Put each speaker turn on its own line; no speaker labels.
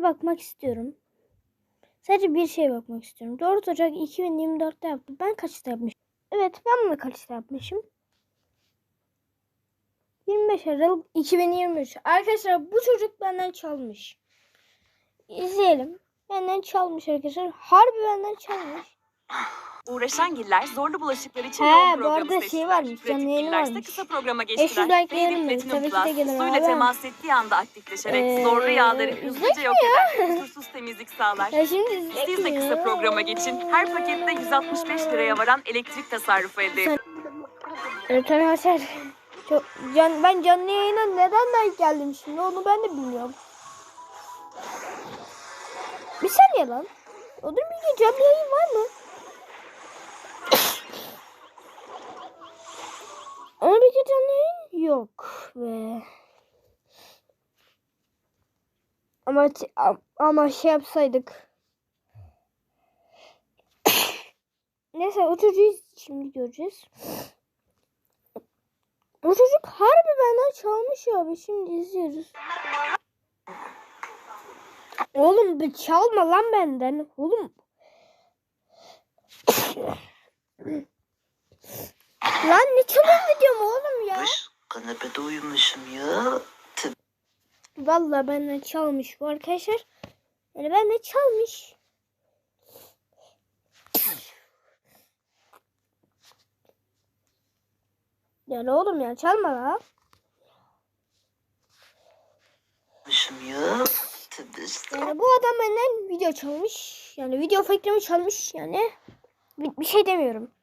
bakmak istiyorum. Sadece bir şeye bakmak istiyorum. 4 Ocak 2024'te yaptım. Ben kaçta yapmışım? Evet, ben bunu kaçta yapmışım? 25 Aralık 2023. Arkadaşlar bu çocuk benden çalmış. İzleyelim. Benden çalmış arkadaşlar. Harbi benden çalmış.
Uğraşan giller zorlu bulaşıklar için
He,
yoğun
bu
programı
arada
seçtiler.
şey varmış,
Pratik
canlı yayını
gillerse
varmış.
kısa programa
500
geçtiler.
like
Baby
verin mi?
Platinum
Tabii ki de
Plus
gelir
suyla
abi.
temas ettiği anda aktifleşerek zorlu yağları hızlıca
izleyecek
yok eder. Kusursuz temizlik sağlar.
Ya şimdi izleyecek
Siz de
mi?
kısa programa geçin. Her pakette 165 liraya varan elektrik tasarrufu elde edin.
Evet arkadaşlar. Ben canlı yayına neden like geldim şimdi onu ben de bilmiyorum. Bir saniye lan. Odur bir canlı yayın var mı? Ama bir canlı yayın yok ve ama şey yapsaydık. Neyse o çocuğu şimdi göreceğiz. O çocuk harbi benden çalmış ya abi. Şimdi izliyoruz. Oğlum bir çalma lan benden. Oğlum. Lan ne çalıyorsun videomu oğlum ya?
Kanepede uyumuşum ya.
Vallahi benden çalmış bu arkadaşlar. Yani benden çalmış. Yani oğlum ya çalma la.
Uyumuşum ya.
Yani bu adam benden video çalmış. Yani video fikrimi çalmış yani. Bir şey demiyorum.